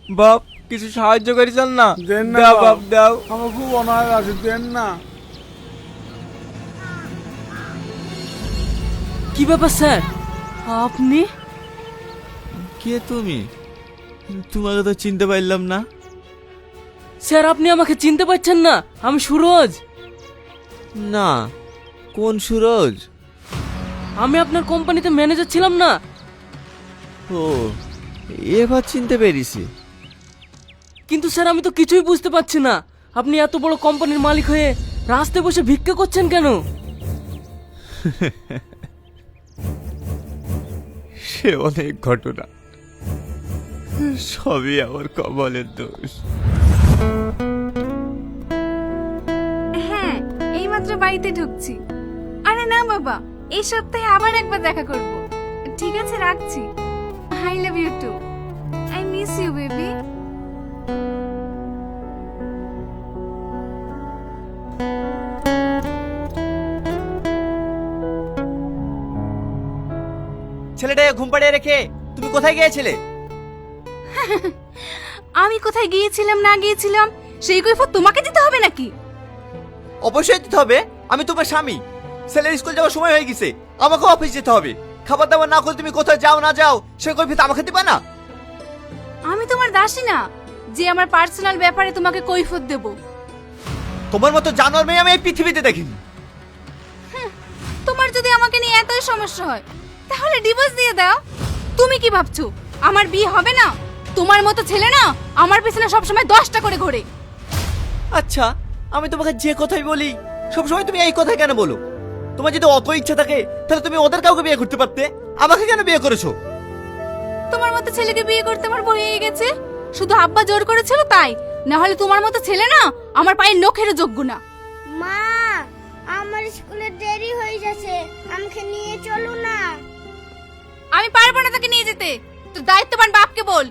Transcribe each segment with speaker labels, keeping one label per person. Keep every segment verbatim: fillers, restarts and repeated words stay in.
Speaker 1: বাপ কিছু সাহায্য করি চান না?
Speaker 2: দেন না
Speaker 1: দাও
Speaker 2: বাপ।
Speaker 1: বাপ দাও।
Speaker 2: আমার খুব অনাহার আছে, দেন না।
Speaker 3: কি ব্যাপার স্যার, আপনি?
Speaker 4: কে তুমি? তোমাকে তো চিনতে পারলাম না।
Speaker 3: স্যার আপনি আমাকে চিনতে পারছেন না? আমি সুরজ।
Speaker 4: না, কোন সুরজ?
Speaker 3: আমি আপনার কোম্পানিতে ম্যানেজার ছিলাম না।
Speaker 4: ও, এবার চিনতে পেরেছি।
Speaker 3: কিন্তু স্যার আমি তো কিছুই বুঝতে পারছি না, আপনি এত বড় কোম্পানির মালিক হয়ে রাস্তায় বসে ভিক্ষা করছেন কেন?
Speaker 4: সে অনেক ঘটনা, সবই আমার কপালের দোষ।
Speaker 5: হ্যাঁ, এইমাত্র বাড়িতে ঢুকছি। আরে না বাবা, এই সপ্তাহে আবার একবার দেখা করব। ঠিক আছে, রাখছি। I love you too. I miss you baby.
Speaker 1: ছেলেটাকে ঘুম পাড়িয়ে রেখে তুমি কোথায় গিয়েছিলে?
Speaker 5: আমি কোথায় গিয়েছিলাম না গিয়েছিলাম সেই কৈফিয়ত তোমাকে দিতে হবে নাকি?
Speaker 1: অবশ্যই দিতে হবে, আমি তোমার স্বামী। ছেলের স্কুল যাওয়ার সময় হয়ে গেছে, আমাকেও অফিস যেতে হবে। খাবার দাবার না করে তুমি কোথায় যাও না যাও সে কৈফিয়ত আমাকে দিবা না?
Speaker 5: আমি তোমার দাসী না যে আমার পার্সোনাল ব্যাপারে তোমাকে কৈফিয়ত দেব।
Speaker 1: তোমার মতো জানোয়ার মেয়ে আমি এই পৃথিবীতে দেখিনি।
Speaker 5: তোমার যদি আমাকে নিয়ে এতই সমস্যা হয় তাহলে ডিভোর্স দিয়ে দাও। তুমি কি ভাবছো আমার বিয়ে হবে না? তোমার মতো ছেলে না আমার পেছনে সবসময় দশটা করে ঘোরে।
Speaker 1: আচ্ছা, আমি তোমাকে যে কথাই বলি সবসময় তুমি এই কথাই কেন বলো? তোমার যদি অত ইচ্ছা থাকে তাহলে তুমি ওদের কাউকে বিয়ে করতে পারতে, আমাকে কেন বিয়ে করেছো?
Speaker 5: তোমার মতো ছেলেকে বিয়ে করতে আমার ভয় হয়ে গেছে। শুধু আব্বা জোর করেছিল তাই, না হলে তোমার মতো ছেলে না আমার পায়ের নখেরও যোগ্য না।
Speaker 6: মা, আমার স্কুলে দেরি হয়ে যাচ্ছে, আমাকে নিয়ে চলো না।
Speaker 5: আমি পারবো না তাকে নিয়ে যেতে, তো দায়িত্ববান বাপকে বল।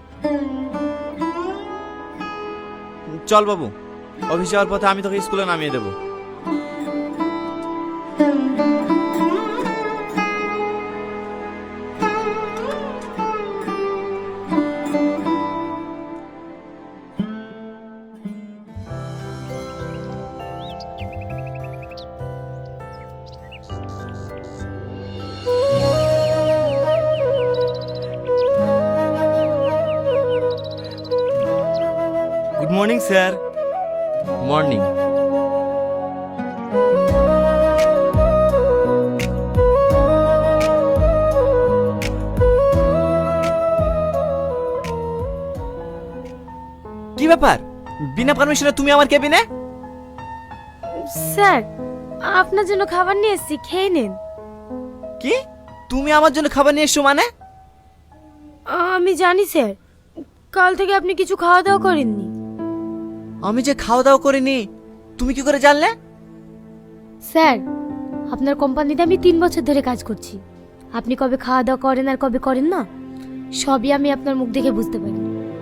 Speaker 4: চল বাবু, অফিস যাওয়ার পথে আমি তোকে স্কুলে নামিয়ে দেবো।
Speaker 1: Good morning sir.
Speaker 4: মর্নিং।
Speaker 1: কি ব্যাপার, বিনা পারমিশনে তুমি আমার কেবিনে?
Speaker 6: স্যার, আপনার জন্য খাবার নিয়ে এসেছি, খেয়ে নিন।
Speaker 1: কি, তুমি আমার জন্য খাবার নিয়ে এসছো মানে?
Speaker 6: আমি জানি স্যার, কাল থেকে আপনি কিছু খাওয়া দাওয়া করেননি।
Speaker 1: আমি যে খাওয়া দাওয়া করিনি তুমি কি করে জানলে?
Speaker 6: স্যার, আপনার কোম্পানিতে আমি তিন বছর ধরে কাজ করছি। আপনি কবে খাওয়া দাওয়া করেন আর কবে করেন না সবই আমি আপনার মুখ দেখে বুঝতে পারি।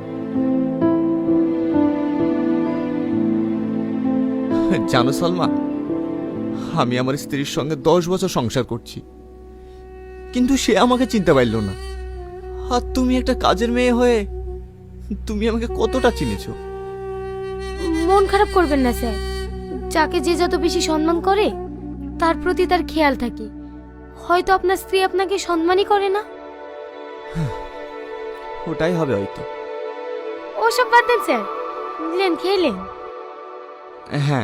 Speaker 4: জানো সালমা, আমি আমার স্ত্রীর সঙ্গে দশ বছর সংসার করছি, কিন্তু সে আমাকে চিনতে পারল না। আর তুমি একটা কাজের মেয়ে হয়ে তুমি আমাকে কতটা চিনেছো।
Speaker 6: মন খারাপ করবেন না স্যার, যাকে যে যত বেশি সম্মান করে তার প্রতি তার খেয়াল থাকে। হয়তো আপনার স্ত্রী আপনাকে সম্মানই করে না।
Speaker 4: ওটাই হবে হয়তো।
Speaker 6: ওসব বাদ দেন স্যার, নিলেন খেলেন।
Speaker 4: হ্যাঁ,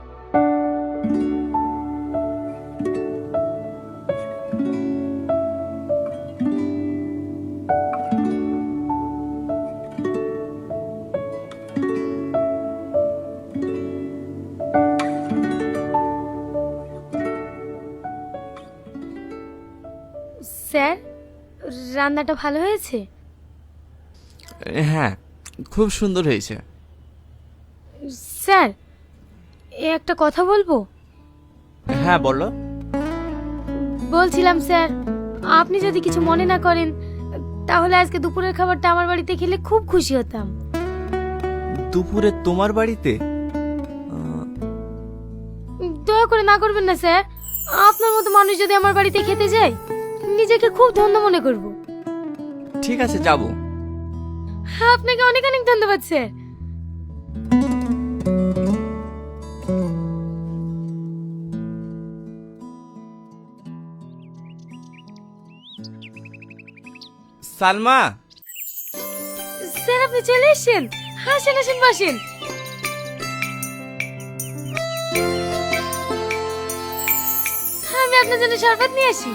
Speaker 6: স্যার, রান্নাটা ভালো হয়েছে?
Speaker 4: হ্যাঁ, খুব সুন্দর হয়েছে।
Speaker 6: স্যার, এ একটা কথা বলবো?
Speaker 4: হ্যাঁ বলো।
Speaker 6: বলছিলাম স্যার, আপনি যদি কিছু মনে না করেন তাহলে আজকে দুপুরের খাবারটা আমার বাড়িতে খেলে খুব খুশি হতাম।
Speaker 4: দুপুরে তোমার বাড়িতে?
Speaker 6: দয়া করে না করবেন না স্যার, আপনার মতো মানুষ যদি আমার বাড়িতে খেতে যায় নিজেকে খুব ধন্য মনে করব।
Speaker 4: ঠিক আছে, যাবো।
Speaker 6: আপনাকে অনেক অনেক ধন্যবাদ স্যার।
Speaker 1: সালমা,
Speaker 6: স্যার আপনি চলে এসেছেন, আসেন আসেন বসেন। আমি আপনার জন্য শরবত নিয়ে আসি।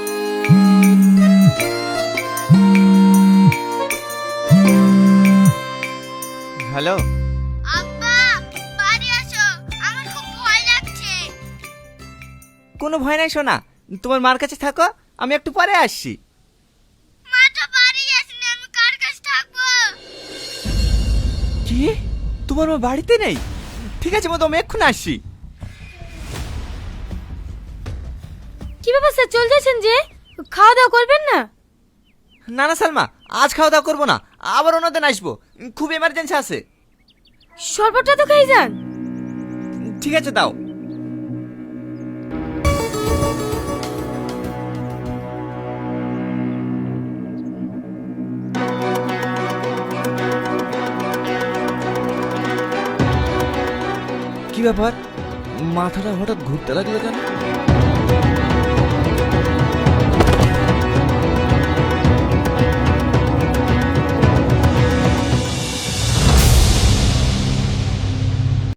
Speaker 1: হ্যালো।
Speaker 6: আব্বা বাড়ি আসো, আমার খুব ভয় লাগছে।
Speaker 1: কোনো ভয় নাই সোনা, তোমার মার কাছে থাকো, আমি একটু পরে আসছি।
Speaker 6: মা তো বাড়ি আসেনি, আমি কার কাছে থাকবো?
Speaker 1: কি, তোমার মা বাড়িতে নেই? ঠিক আছে মা, তো আমি এক্ষুনি আসছি।
Speaker 6: কি ব্যাপার স্যার, চলে যাচ্ছেন যে? খাওয়া দাওয়া করবেন না?
Speaker 1: না না সালমা, আজ খাওয়া দাওয়া করবো না, আবার অন্যদিন আসবো, খুব এমার্জেন্সি আছে।
Speaker 6: শরবতটা তো খেয়ে যান।
Speaker 1: ঠিক আছে দাও। কি ব্যাপার, মাথাটা হঠাৎ ঘুরতে লাগলো কেন?